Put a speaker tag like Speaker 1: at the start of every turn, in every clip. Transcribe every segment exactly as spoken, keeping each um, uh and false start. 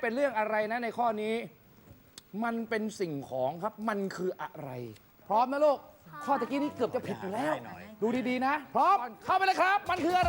Speaker 1: เป็นเรื่องอะไรนะในข้อนี้ มันเป็นสิ่งของครับมันคืออะไร พร้อมนะลูกข้อตะกี้นี้เกือบจะผิดอยู่แล้วดูดีๆนะพร้อมเข้าไปเลยครับมันคืออะไร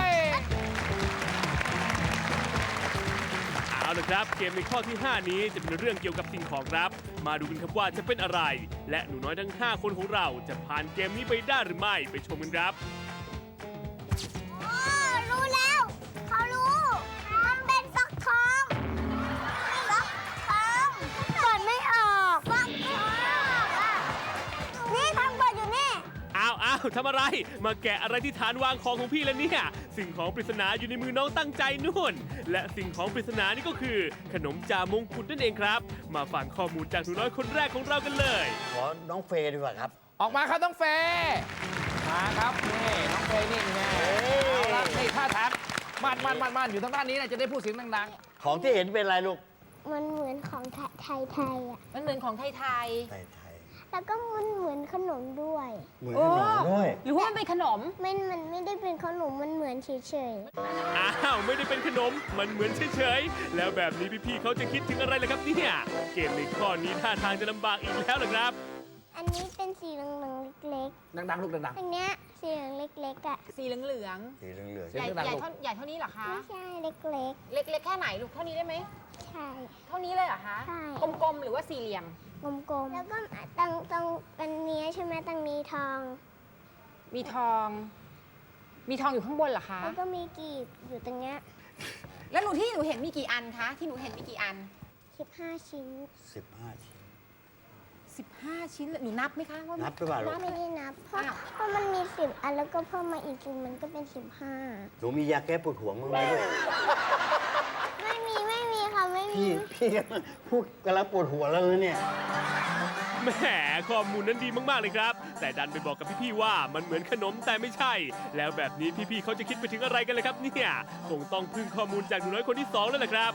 Speaker 2: เอาละครับเกมในข้อที่ห้านี้จะเป็นเรื่องเกี่ยวกับสิ่งของครับ มาดูกันครับว่าจะเป็นอะไร และหนูน้อยทั้งห้าคนของเราจะผ่านเกมนี้ไปได้หรือไม่ไปชมกันครับ
Speaker 3: อ๋อรู้แล้ว เขารู้ มันเป็นฟักทองฟักทองเปิดไม่ออกฟักทองอ่ะนี่ทางเปิดอยู่นี่
Speaker 2: อ้าวอ้าวทำอะไร มาแกะอะไรที่ฐานวางของของพี่แล้วเนี่ย สิ่งของปริศนาอยู่ในมือน้องตั้งใจนู่น และสิ่งของปริศนานี่ก็คือ ขนมจ่ามงกุฎนั่นเองครับ มาฟังข้อมูลจากหนูน้อยคนแรกของเรากันเลย
Speaker 4: ขอน้องเฟย์ดีกว่าครับ
Speaker 1: ออกมาครับน้องเฟย์มาครับนี่น้องเฟย์นี่แน่เอาละนี่ท่าทางมันมันมันมันอยู่ทางด้านนี้นะจะได้พูดเสียงดัง
Speaker 4: ของที่เห็นเป็นอะไรลูก
Speaker 3: มันเหมือนของไทยไทยไทยอ่ะ
Speaker 5: มันเหมือนของไทย
Speaker 4: ไทยไทย
Speaker 3: แล้วก็มันเหมือนขนมด้วย
Speaker 4: เหมือน
Speaker 5: โอ้
Speaker 4: ขนมด้วย
Speaker 5: ๆ หรือว่ามันเป็นขนม
Speaker 3: มันมันไม่ได้เป็นขนม มันเหมือนเฉย
Speaker 2: อ้าวไม่ได้เป็นขนม มันเหมือนเฉยๆ แล้วแบบนี้พี่ๆเขาจะคิดถึงอะไรล่ะครับเนี่ย เกมในข้อนี้ท่าทางจะลำบากอีกแล้วล่ะครับ
Speaker 3: ๆ อันนี้เป็นสีเหลืองๆเล็ก
Speaker 1: ๆดังๆลูกดัง
Speaker 3: ๆ อันเนี้ยสีเหลืองเล็กๆอ่ะ
Speaker 5: สีเหลือง
Speaker 4: สีเหลือง
Speaker 5: ๆ ใหญ่
Speaker 1: สีเหลืองๆ
Speaker 5: ใหญ่เท่าใหญ่เท่านี้เหรอคะ
Speaker 3: ไม่ใช่เล็ก
Speaker 5: เล็กๆ แค่ไหนลูก เท่านี้ได้ไหม
Speaker 3: ๆ ใช่
Speaker 5: เท่านี้เลยเหรอคะ
Speaker 3: ใช่
Speaker 5: กลมๆ หรือว่าสี่เหลี่ยม
Speaker 3: กลมๆ แล้วก็ตรงตรงอันเนี้ยใช่ไหมตรงนี้ทอง
Speaker 5: มีทอง มีทองอยู่ข้างบนเหรอคะ
Speaker 3: แล้วก็มีกีบอยู่ตรงเนี้ย
Speaker 5: แล้วหนูที่หนูเห็นมีกี่อันคะ ที่หนูเห็นมีกี่อัน
Speaker 3: สิบห้าชิ้น
Speaker 4: ๆสิบห้าชิ้น
Speaker 5: สิบห้า ชิ้นเลยหนูนับไหมคะว่า
Speaker 4: นับหรือเปล่าลูก
Speaker 3: ไม่ได้นับ เพราะ
Speaker 5: อ้าว
Speaker 3: เพราะมันมีสิบอันแล้วก็เพิ่มมาอีกสิบมันก็เป็นสิบห้า
Speaker 4: หนูมียาแก้ปวดหัวมั้างไหมลูก
Speaker 3: ไม่มีไม่มีค่ะไม่มี
Speaker 4: พี่พี่กำลังพูดกำลังปวดหัวแล้วเนี่ย
Speaker 2: แหมข้อมูลนั้นดีมากๆเลยครับ แต่ดันไปบอกกับพี่ๆว่ามันเหมือนขนมแต่ไม่ใช่ แล้วแบบนี้พี่ๆเขาจะคิดไปถึงอะไรกันเลยครับเนี่ยคงต้องพึ่งข้อมูลจากหนูน้อยคนที่สองแล้วแหละครับ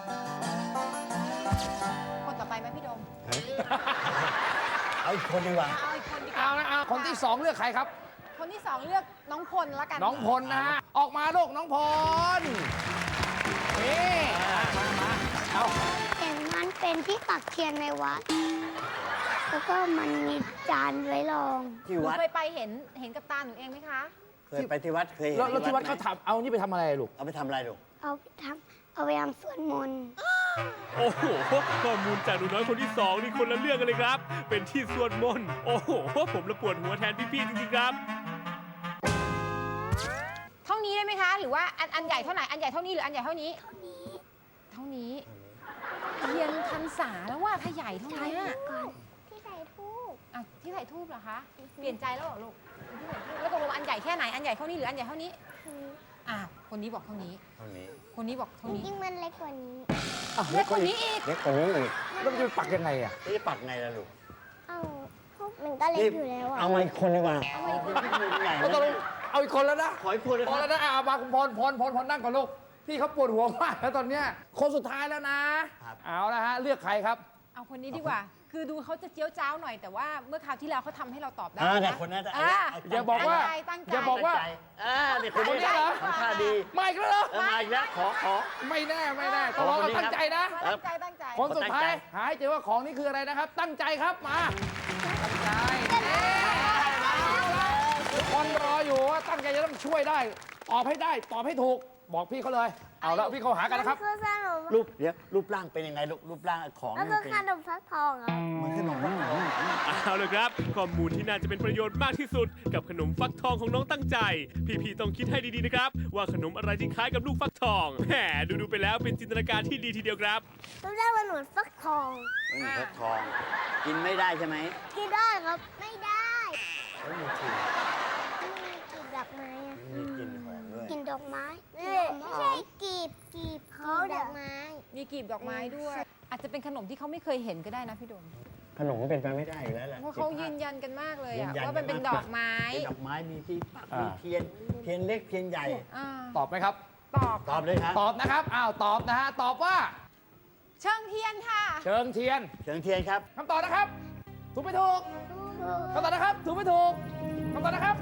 Speaker 5: คนต่อไปไหมพี่โดม
Speaker 4: เอาอีกคนดีกว่า
Speaker 5: เอาอีกคนดีก
Speaker 1: เอา
Speaker 5: ว่า
Speaker 1: นะเอาคนที่สองเลือกใครครับ
Speaker 5: คนที่สองเลือกน้องพลละกัน
Speaker 1: น้องพลนะฮะออกมาลูกน้องพลนี่มามามาเอา
Speaker 3: เห็นมันเป็นที่ปักเทียนในวัด แล้วก็มันมีจานไว้รอง
Speaker 4: ที่
Speaker 5: หนู
Speaker 4: วัด
Speaker 5: เคยไปเห็นเห็นกับตาหนูเองไหมคะ
Speaker 4: เคยไปที่วัดเคยเห็น
Speaker 1: แล้วแล้วที่วัด
Speaker 4: ไหม
Speaker 1: เขาทำเอานี่ไปทำอะไรลูก
Speaker 4: เอาไปทำอะไรลูก
Speaker 3: เอาไปทำเอาไปทำสวดมนต์
Speaker 2: โอ้โห ข้อมูลจากหนูน้อยคนที่สองนี่คนละเรื่องกันเลยครับ เป็นที่สวดมนต์ โอ้โห ผมละปวดหัวแทนพี่ๆจริงๆครับ
Speaker 5: เท่านี้ได้ไหมคะ หรือว่าอันอันใหญ่เท่าไหร่ อันใหญ่เท่านี้หรืออันใหญ่เท่านี้
Speaker 3: เท่านี้
Speaker 5: เท่านี้ เทียนพรรษาแล้วว่าถ้าใหญ่เท่านี้อะ
Speaker 3: ก่อนที่ใส่ทูบ
Speaker 5: อ่ะที่ใส่ทูบเหรอคะ เปลี่ยนใจแล้วเหรอลูกที่ใส่ทูบแล้วตกลงอันใหญ่แค่ไหน อันใหญ่เท่านี้หรืออันใหญ่เท่านี้ อ่ะคนนี้บอกเท่านี้
Speaker 4: เท่านี้
Speaker 5: คนนี้บอกเท่านี้
Speaker 3: ยิ่งมันเล็กกว่านี้
Speaker 1: อ่ะ
Speaker 5: เล็กกว่านี้อีก
Speaker 4: เล็กกว่านี้อีก
Speaker 1: แล้วมันจะไปปักยังไงอ่ะ
Speaker 4: นี่จะปัดไงล่ะลูก
Speaker 3: เอาพวกมันก็เล็กอยู่แล้วอ่ะ
Speaker 4: เอามาอีกคนดีกว่า
Speaker 5: เอามาอีกคน
Speaker 4: ใหญ่
Speaker 1: เอาตกลงเอาอีกคนแล้วนะ
Speaker 4: ขออีกคนเลย
Speaker 1: พ
Speaker 4: ค
Speaker 1: อ
Speaker 4: รับ
Speaker 1: แล้วนะอ่ะมาคุณพลพลพลพลนั่งก่อนลูกพี่เขาปวดหัวมากแล้วตอนเนี้ยคนสุดท้ายแล้วนะเอาละฮะเลือกใครครับ
Speaker 5: เอาคนนี้ดีกว่า คือดูเขาจะเจียวจ้าวหน่อย แต่ว่าเมื่อคราวที่แล้วเขาทำให้เราตอบได้
Speaker 4: อ่าแต่
Speaker 5: นะ
Speaker 4: คนนั้น
Speaker 5: อ่า
Speaker 1: อย่าบอกว่า
Speaker 5: ตั้งใจตั้งใจ
Speaker 1: อย่าบอกว่า
Speaker 4: อ่าเด็กคน
Speaker 1: คนนี้
Speaker 4: นี้
Speaker 1: เหรอ
Speaker 4: ทำท่าดี
Speaker 1: มาอีกแล้วเหรอ
Speaker 4: เออมาอีกแล้วขอขอ
Speaker 1: ไม่แน่ไม่แน่ต้องรอ
Speaker 4: คนนี้
Speaker 1: ตั้งใจนะ
Speaker 4: ครั
Speaker 5: ตั้
Speaker 4: บ
Speaker 5: งใจตั้งใจ
Speaker 1: คนสุดท้าย
Speaker 4: ตั้งใจ
Speaker 1: หาให้เจอว่าของนี่คืออะไรนะครับ ตั้งใจครับมาตั้งใจทุกคนรออยู่ว่าตั้งใจจะต้องช่วยได้ตอบให้ได้ตอบให้ถูกบอกพี่เขาเลยเอาละพี่เขาหากันนะครับ
Speaker 3: มันคือขนม
Speaker 4: รูปเดี๋ยวรูปร่างเป็นยังไงลูกรูปร่างของ
Speaker 3: มัน
Speaker 4: นี่
Speaker 3: คือ
Speaker 4: เป็น
Speaker 3: ขนมฟักทองเหรอ
Speaker 4: มันขนมนี่เหรอ
Speaker 2: เอาเลยครับ ข้อมูลที่น่าจะเป็นประโยชน์มากที่สุด กับขนมฟักทองของน้องตั้งใจ พี่ๆต้องคิดให้ดีๆนะครับ ว่าขนมอะไรที่คล้ายกับลูกฟักทองแหมดูๆไปแล้วเป็นจินตนาการที่ดีทีเดียวครับ
Speaker 3: ต้องเรียกว่าหนวดฟักทอง
Speaker 4: ไม่มีเพชรทอง กินไม่ได้ใช่ไหม
Speaker 3: กินได้ครับ ไม่ได้
Speaker 4: เอ้ยมีกลิ่น
Speaker 3: มีกลีบดอกไม้อะ
Speaker 4: มีกลิ่นหอมด้วย
Speaker 3: กลีบดอกไม้ไม่ใช่กลีบกลีบเขาดอกไม้
Speaker 5: มีกลีบดอกไม้ด้วย อาจจะเป็นขนมที่เขาไม่เคยเห็นก็ได้นะพี่โดม
Speaker 4: ขนมมันเป็นไปไม่ได้อยู่แล้วแหละ
Speaker 5: เพราะเขายืนยันกันมากเลย
Speaker 4: ยื
Speaker 5: อะ
Speaker 4: นยั
Speaker 5: ว่ามันเป็นดอกไม้
Speaker 4: เป็นดอกไม้มีที่ปัก
Speaker 1: อ่ามี
Speaker 4: มีเทียนเทียนเล็กเทียนใหญ่
Speaker 5: อ่า
Speaker 1: ตอบไหมครับ
Speaker 5: ตอบ
Speaker 4: ตอบเลยครับ
Speaker 1: ตอบนะครับอ้าวตอบนะฮะตอบว่า
Speaker 5: เชิงเทียนค่ะ
Speaker 1: เชิงเทียน
Speaker 4: เชิงเทียนครับ
Speaker 1: คำตอบนะครับ ถูกไม่ถูกคำตอบนะครับ ถูกไม่ถูกคำตอบนะครับ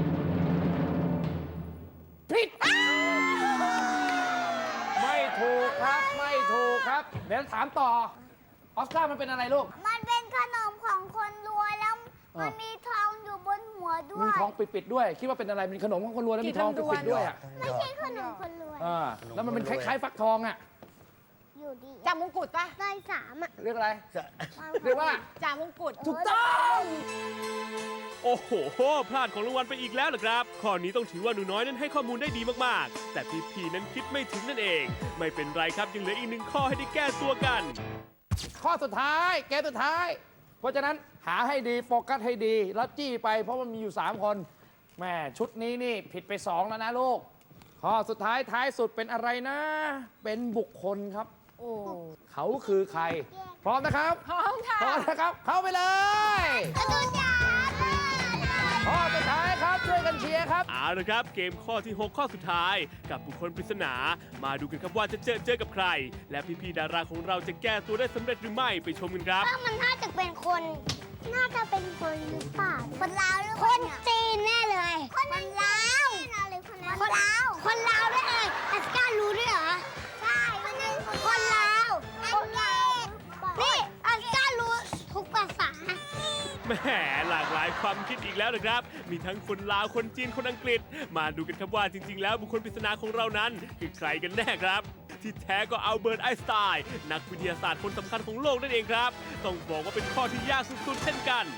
Speaker 1: ผิดไม่ถูกครับไม่ถูกครับ เดี๋ยวถามต่อ ออสการ์มันเป็นอะไรลูก
Speaker 3: มันเป็นขนมของคนรวยแล้ว
Speaker 1: อ่ามั
Speaker 3: มันมีทองอยู่บนหัวด้ว
Speaker 1: มี
Speaker 3: ย
Speaker 1: ทองปิดๆด้วย คิดว่าเป็นอะไรเป็นขนมของคนรวยแล้วมีทองปิดๆด้วยอ่ะ
Speaker 3: ไม่ใช่ขนมคนรวย
Speaker 1: อ่าแล้วมันเป็นคล้ายๆฟักทองอ่ะ
Speaker 3: อยู่ดี
Speaker 5: จ่ามงกุฎปะ
Speaker 3: ได้สามอ่ะ
Speaker 1: เรียกอะไร
Speaker 4: จะ
Speaker 1: เรียกว่า
Speaker 5: จ่ามงกุฎ
Speaker 1: ถูกต้อง
Speaker 2: โอ้โห พลาดของรางวัลไปอีกแล้วเหรอครับ ข้อนี้ต้องถือว่าหนูน้อยนั้นให้ข้อมูลได้ดีมากๆ แต่พี่ๆนั้นคิดไม่ถึงนั่นเอง ไม่เป็นไรครับยังเหลืออีกหนึ่งข้อให้ได้แก้ตัวกัน
Speaker 1: ข้อสุดท้าย เกมสุดท้าย เพราะฉะนั้นหาให้ดีโฟกัสให้ดี แล้วจี้ไปเพราะมันมีอยู่ 3 คนแม่ชุดนี้นี่ผิดไป 2 แล้วนะลูก ข้อสุดท้ายท้ายสุดเป็นอะไรนะ เป็นบุคคลครับ
Speaker 5: โอ้
Speaker 1: เขาคือใคร พร้อมนะครับ
Speaker 5: พร้อมค่ะ
Speaker 1: พร้อมนะครับ เข้าไปเลย
Speaker 3: กระตูนจ๋า
Speaker 1: ข้อสุดท้ายครับช่วยกันเชียร์ครับ
Speaker 2: เอาละครับ เกมข้อที่ หก ข้อสุดท้าย กับบุคคลปริศนา มาดูกันครับว่าจะเจอเจอกับใคร และพี่ๆดาราของเราจะแก้ตัวได้สำเร็จหรือไม่ไปชมกันครับ
Speaker 3: ถ้ามันน่าจะเป็นคน น่าจะเป็นคนหรือเปล่าคนลาวหรือคนจีนแน่เลย คนลาวคนลาวคนลาวได้เลยอัสการรู้ด้วยเหรอ ใช่คนลาวคนลาวนี่อัสการรู้ทุกภาษา
Speaker 2: แหมหลากหลายความคิดอีกแล้วนะครับ มีทั้งคนลาว คนจีน คนอังกฤษ มาดูกันครับว่าจริง ๆ แล้วบุคคลปริศนาของเรานั้น คือใครกันแน่ครับ ที่แท้ก็อัลเบิร์ตไอน์สไตน์นักวิทยาศาสตร์คนสำคัญของโลกนั่นเองครับ ต้องบอกว่าเป็นข้อที่ยากสุดๆเช่นกัน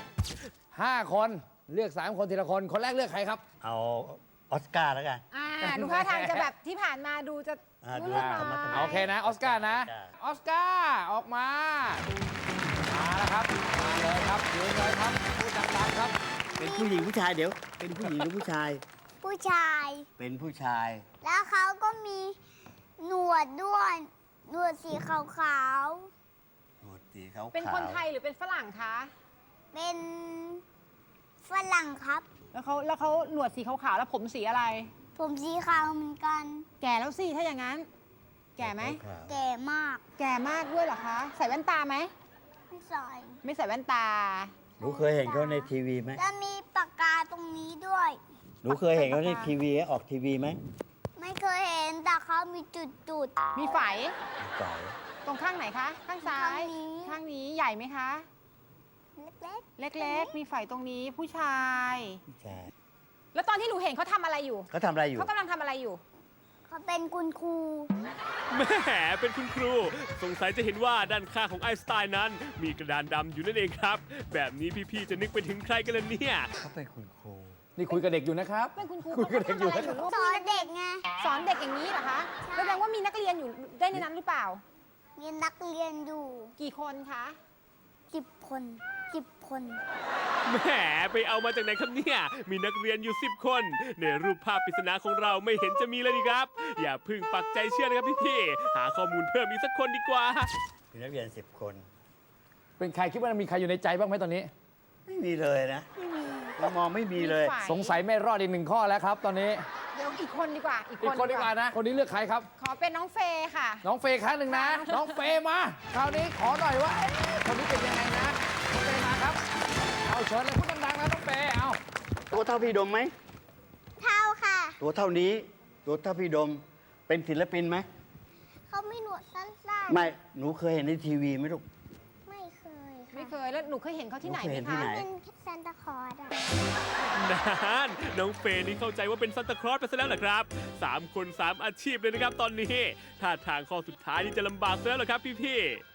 Speaker 1: 5 คนเลือก 3 คนทีละคน คนแรกเลือกใครครับ
Speaker 4: เอาออสการ์แล้วกัน
Speaker 5: อ่าดูท่าทางจะแบบที่ผ่านมาดูจะ
Speaker 4: อ่า
Speaker 5: รู้
Speaker 4: ดู
Speaker 5: เรื่อง
Speaker 4: ธรรมะธรรมะ
Speaker 5: น้อย
Speaker 1: โอเคนะ ออสการ์นะ
Speaker 4: ใช่
Speaker 1: ออสการ์ออกมา มาแล้วครับ มาเลยครับยืนเลยครับพูดดังๆครับ
Speaker 4: เป็นผู้หญิงผู้ชายเดี๋ยว เป็นผู้หญิงหรือผู้ชาย
Speaker 3: ผู้ชาย
Speaker 4: เป็นผู้ชาย
Speaker 3: แล้วเขาก็มีหนวดด้วย หนวดสีขาว
Speaker 4: โหดสีขาวๆ
Speaker 5: เป็นคนไทยหรือเป็นฝรั่งคะ
Speaker 3: ๆ เป็นฝรั่งครับ
Speaker 5: แล้วเขาแล้วเขาหนวดสีขาวๆแล้วผมสีอะไร
Speaker 3: ผมสีขาวเหมือนกัน
Speaker 5: แก่แล้วสิถ้าอย่างนั้น แก่ไหม
Speaker 4: ขาว
Speaker 3: แก่มาก
Speaker 5: แก่มากด้วยเหรอคะ ใส่แว่นตาไหม
Speaker 3: ไม่ใส่
Speaker 5: ไม่ใส่แว่นตา
Speaker 4: ๆหนูเคยเห็นเขาในทีวีไหม
Speaker 3: แล้วมีปากกาตรงนี้ด้วย
Speaker 4: หนูเคยเห็นเขาในทีวีออกทีวีไหม
Speaker 3: ไม่เคยเห็นแต่เขามีจุด
Speaker 5: มีไฝ
Speaker 4: ใช่
Speaker 5: ตรงข้างไหนคะ ข้างซ้าย
Speaker 3: ข้างนี้
Speaker 5: ข้างนี้ใหญ่ไหมคะ
Speaker 3: ๆ เล็ก
Speaker 5: เล็กๆ มีไฝตรงนี้ผู้ชาย
Speaker 4: ผู้ชาย
Speaker 5: แล้วตอนที่หนูเห็นเขาทำอะไรอยู่
Speaker 4: เขาทำอะไรอยู่
Speaker 5: เขากำลังทำอะไรอยู่
Speaker 3: ๆเขาเป็นคุณครู
Speaker 2: แหมเป็นคุณครู สงสัยจะเห็นว่าด้านข้างของไอน์สไตน์นั้น มีกระดานดำอยู่นั่นเองครับ แบบนี้พี่ๆจะนึกไปถึงใครกันล่ะเนี่ย
Speaker 4: เขาเป็นคุณครู
Speaker 1: นี่คุยกับเด็กอยู่นะครับ
Speaker 5: เป็นคุณครู
Speaker 1: คุยกับ
Speaker 5: เขา
Speaker 1: เด็กอ
Speaker 5: ทำ
Speaker 1: ยู่
Speaker 5: อะไร
Speaker 1: นะ
Speaker 5: อ
Speaker 1: ครับ
Speaker 5: ยู่ลูก
Speaker 3: สอนเด็กไง
Speaker 5: สอนเด็กอย่างนี้เหรอคะ
Speaker 3: ใช่
Speaker 5: แสดงว่ามีนักเรียนอยู่ได้ในนั้นหรือเปล่า
Speaker 3: มีนักเรียนอยู่
Speaker 5: กี่คนคะ
Speaker 3: สิบคนสิบคน
Speaker 2: แหมไปเอามาจากไหนครับเนี่ย มีนักเรียนอยู่ สิบ คน ในรูปภาพปริศนาของเราไม่เห็นจะมีเลยนี่ครับ อย่าเพึ่งปักใจเชื่อนะครับพี่ๆ หาข้อมูลเพิ่มอีกสักคนดีกว่า
Speaker 4: มีนักเรียนสิบคน
Speaker 1: เป็นใครคิดว่ามีใครอยู่ในใจบ้างไหมตอนนี้
Speaker 4: ไม่มีเลยนะมองไม่มีเลย
Speaker 5: ไฝ
Speaker 1: สงสัยไม่รอดอีกหนึ่งข้อแล้วครับ ตอนนี้
Speaker 5: เดี๋ยวอีกคนดีกว่า อีก
Speaker 1: อีกคนดีกว่านะ คนนี้เลือกใครครับ
Speaker 5: ขอเป็นน้องเฟย์ค่ะ
Speaker 1: น้องเฟย์ครั้งหนึ่งนะ น้องเฟย์มา คราวนี้ขอหน่อยว่าเอ๊ะคนนี้เป็นยังไงนะน้องเฟย์มาครับ เอาเชิญเลยพูดดังๆนะน้องเฟย์เอา
Speaker 4: ตัวเท่าพี่ดมไหม
Speaker 3: เท่าค่ะ
Speaker 4: ตัวเท่านี้ ตัวเท่าพี่ดม เป็นศิลปินไหม
Speaker 3: เขาไม่หนวดสั้น
Speaker 4: ไม่ หนูเคยเห็นในทีวีไหมลูก
Speaker 3: ๆ ไม่เคย
Speaker 5: ไม่
Speaker 3: ค่ะ
Speaker 5: เคย แล้วหนูเคยเห็นเขาที่ไหน
Speaker 4: หนูเคย
Speaker 5: ไหม
Speaker 4: เห็นที่
Speaker 5: คะ
Speaker 4: ไหน
Speaker 3: เป็นซานตาคลอสอะ
Speaker 2: นานน้องเฟย์นี่เข้าใจว่าเป็นซันตาคลอสไปซะแล้วเหรอครับสามคนสามอาชีพเลยนะครับตอนนี้ท่าทางข้อสุดท้ายนี่จะลำบากซะแล้วเหรอครับพี่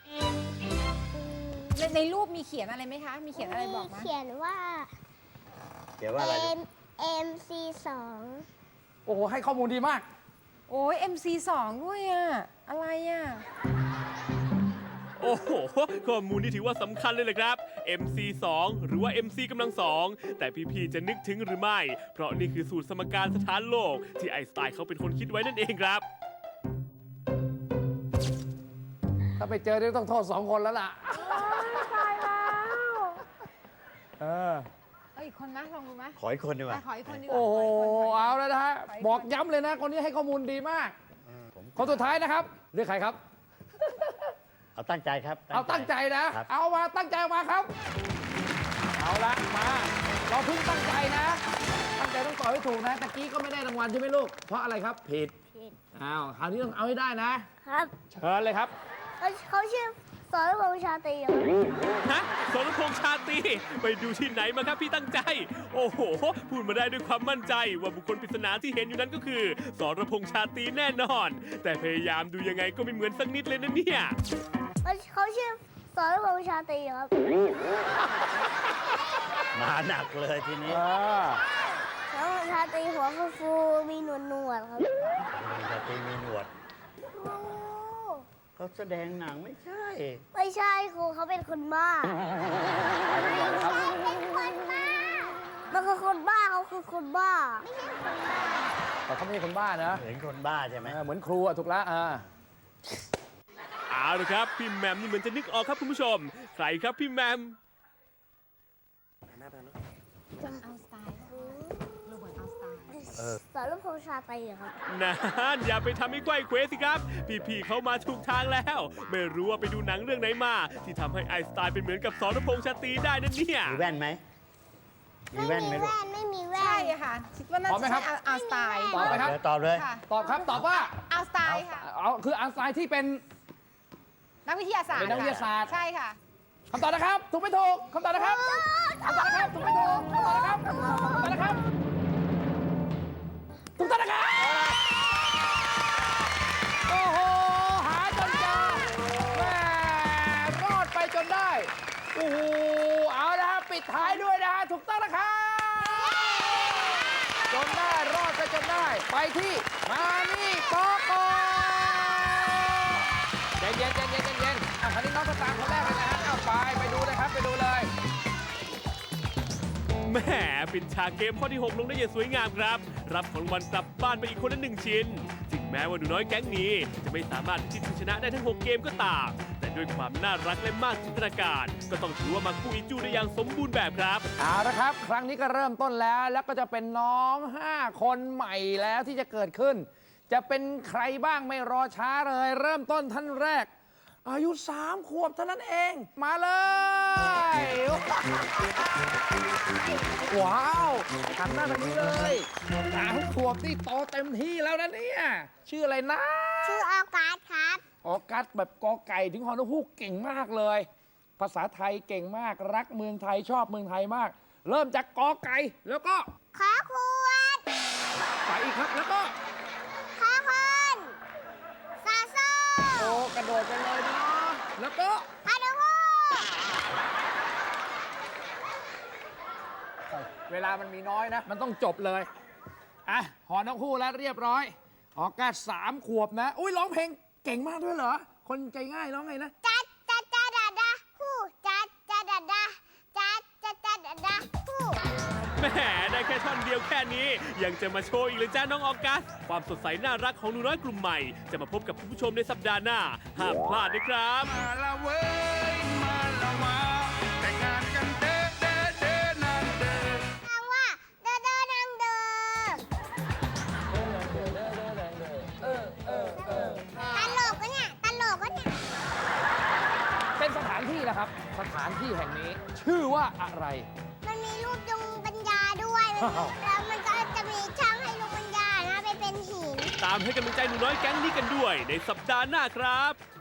Speaker 2: ๆ
Speaker 5: ในในรูปมีเขียนอะไรไหมคะ มีเขียนอะไรบอกไหม
Speaker 3: เขียนว่า
Speaker 4: เดี๋ยวว่าอะไรลูก
Speaker 3: M M C สอง
Speaker 1: โอ้โห ให้ข้อมูลดีมาก
Speaker 5: โอ้ย เอ็ม ซี สอง ด้วยอะอะไรอะ
Speaker 2: โอ้โห ข้อมูลนี่ถือว่าสำคัญเลยแหละครับ เอ็ม ซี สอง หรือว่า เอ็ม ซี กำลังสอง แต่พี่ๆ จะนึกถึงหรือไม่ เพราะนี่คือสูตรสมการสถานโลก ที่ไอน์สไตน์เขาเป็นคนคิดไว้นั่นเองครับ
Speaker 1: ถ้าไปเจอเนี่ยต้องโทษสองคนแล้วล่ะ
Speaker 5: ตายแล้ว
Speaker 1: เออ
Speaker 5: เอ้ยอีกคนไหมลองดูไหม
Speaker 4: ขออีกคนดีกว่า
Speaker 5: อ่ะขออีกคนดีกว่า
Speaker 1: โอ้โห
Speaker 5: ขกคนขกคน
Speaker 1: เอาแล้วนะฮะ
Speaker 5: ขออีกคน
Speaker 1: บอกย้ำเลยนะ คนนี้ให้ข้อมูลดีมาก
Speaker 4: ผม
Speaker 1: คนสุดท้ายนะครับ เลือกใครครับ
Speaker 4: เอาตั้งใจครับ
Speaker 1: เอาตั้งใจนะ
Speaker 4: ครับ
Speaker 1: เอามาตั้งใจมาครับ เอาละมา เราเพิ่งตั้งใจนะ ตั้งใจต้องตอบให้ถูกนะตะกี้ก็ไม่ได้รางวัลใช่ไหมลูก เพราะอะไรครับ ผิด
Speaker 3: ผิด
Speaker 1: อ้าว คราวนี้ต้องเอาให้ได้นะ
Speaker 3: ครับ
Speaker 1: เชิญเลยครับ
Speaker 3: เขาเขาชื่อสรพงษ์ชาตรีครับ
Speaker 2: ฮะสรพงษ์ชาตรีไปดูที่ไหนมาครับพี่ตั้งใจ โอ้โห พูดมาได้ด้วยความมั่นใจว่าบุคคลปริศนาที่เห็นอยู่นั้นก็คือสรพงษ์ชาตรีแน่นอน แต่พยายามดูยังไงก็ไม่เหมือนสักนิดเลยนะเนี่ย
Speaker 3: เขาเขาชื่อสรพงษ์ชาตรีครับ
Speaker 4: มาหนักเลยทีนี้
Speaker 1: เออ
Speaker 3: สรพงษ์ชาตรีหัวฟูๆมีหนวดหนวดๆครับ
Speaker 4: จะตีมีหนวด
Speaker 3: ครู
Speaker 4: เขาแสดงหนังไม่ใช่
Speaker 3: ไม่ใช่ครูเขาเป็นคนบ้า
Speaker 1: ไปก่อนเลยครับ
Speaker 3: เป็นคนบ้ามันคือคนบ้าเขาคือคนบ้า
Speaker 1: แต่เขาไม่ใช่คนบ้านะ
Speaker 4: เหมือนคนบ้าใช่ไหม
Speaker 1: เออเหมือนครูอะถูกแล้วอ่า
Speaker 2: เอาละครับ พี่แหมมนี่เหมือนจะนึกออกครับคุณผู้ชม ใครครับพี่แหมม
Speaker 5: เอาสไตล์โรเบิร์ตเอาสไตล์
Speaker 3: สรพงษ์ชาตรีครับ
Speaker 2: นานอย่าไปทำให้ไขว้เควสิครับ พี่ๆเขามาถูกทางแล้ว ไม่รู้ว่าไปดูหนังเรื่องไหนมา ที่ทำให้ไอน์สไตล์เป็นเหมือนกับสรพงษ์ชาตรีได้นั่นเนี่ย
Speaker 4: มีแว่นไหม มี
Speaker 3: ไม่
Speaker 4: แว่น
Speaker 3: มี
Speaker 4: ไหมลูก
Speaker 3: แว่นไม่มีแว่
Speaker 5: ใช่
Speaker 3: น
Speaker 5: ค่ะ คิดว่าน่า
Speaker 1: พร้อมไหม
Speaker 5: จะ
Speaker 1: ครั
Speaker 5: ใช่
Speaker 1: บ
Speaker 5: เอาสไตล์
Speaker 1: ตอบไหมครับ
Speaker 4: เดี๋ยวตอบเลย
Speaker 5: ค่ะ
Speaker 1: ตอบครับ ตอบว่า
Speaker 5: เอาสไตล์ค่ะ
Speaker 1: เอาคืออันไซน์ที่เป็น
Speaker 5: นักวิทยาศาสตร์
Speaker 1: เป็นนักวิทยาศาสตร์
Speaker 5: ใช่ค่ะ
Speaker 1: คำตอบนะครับ ถูกไม่ถูกคำตอบนะครับคำตอบนะครับ ถูกไม่ถูกคำตอบนะครับคำตอบนะครับ ถูกต้องนะครับ โอ้โห หาจนเจอแหม่รอดไปจนได้ โอ้โห เอาละครับปิดท้ายด้วยนะฮะ ถูกต้องนะครับ จนได้รอดไปจนได้ ไปที่มานี่โกโก้เย็นเย็นเย็นเย็นเย็นเย็นอ่ะคราวนี้น้องสตางค์คนแรกเลยนะฮะเอาไป ไปดูเลยครับ ไปดูเลย
Speaker 2: แหมปิดฉากเกมข้อที่ หก ลงได้อย่างสวยงามครับ รับของรางวัลกลับบ้านไปอีกคนละหนึ่งชิ้น ถึงแม้ว่าหนูน้อยแก๊งนี้ จะไม่สามารถพิชิตชนะได้ทั้ง หก เกมก็ตาม แต่ด้วยความน่ารักและมากจินตนาการ ก็ต้องถือว่ามาคู่อีจูได้อย่างสมบูรณ์แบบครับ
Speaker 1: เอาละครับ ครั้งนี้ก็เริ่มต้นแล้ว แล้วก็จะเป็นน้อง ห้า คนใหม่แล้วที่จะเกิดขึ้น จะเป็นใครบ้างไม่รอช้าเลย เริ่มต้นท่านแรก อายุสามขวบเท่านั้นเอง มาเลย ว้าวหันหน้าทางนี้เลยสามขวบนี่โตเต็มที่แล้วนะเนี่ย ชื่ออะไรนะ
Speaker 3: ชื่ออากาศครับ
Speaker 1: ออกัสแบบกอไก่ถึงฮอนฮูกเก่งมากเลย ภาษาไทยเก่งมากรักเมืองไทยชอบเมืองไทยมาก เริ่มจากกอไก่แล้วก็
Speaker 3: ขอขวด
Speaker 1: ไปอีกครับแล้วก็
Speaker 3: ขอคนซาโซ่
Speaker 1: โอ้กระโดดไปเลยเนาะแล้วก็
Speaker 3: ฮาดูฮู
Speaker 1: เวลามันมีน้อยนะ มันต้องจบเลยอ่ะหอนกฮูกแล้วเรียบร้อยออกัสสามขวบนะอุ้ยร้องเพลงเก่งมากด้วยเหรอคนใจง่ายร้องไงนะ
Speaker 3: จัดจัดจัดดาดาฮูจัดจัดดาดาจัดจัดจัดดาดาฮู
Speaker 2: แหมได้แค่ท่อนเดียวแค่นี้ ยังจะมาโชว์อีกเลยจ้าน้องออกัส ความสดใสน่ารักของหนูน้อยกลุ่มใหม่ จะมาพบกับคุณผู้ชมในสัปดาห์หน้า ห้ามพลาดนะครับ
Speaker 6: มาละเว้ยมาละมาแต่งงานกันเด้อเด้อเด้อนางเด้อ
Speaker 3: คำว่าเดอเดอนางเดอตลกก็เนี่ยตลกก็เนี่ย
Speaker 1: เป็นสถานที่นะครับ สถานที่แห่งนี้ ชื่อว่าอะไร
Speaker 3: มันมีรูปดวงปัญญาด้วยมันมีแล้วมันก็จะมีช่างให้ดวงปัญญานะไปเป็นหิน
Speaker 2: ตามให้กำลังใจหนูน้อยแก๊งนี้กันด้วย ในสัปดาห์หน้าครับ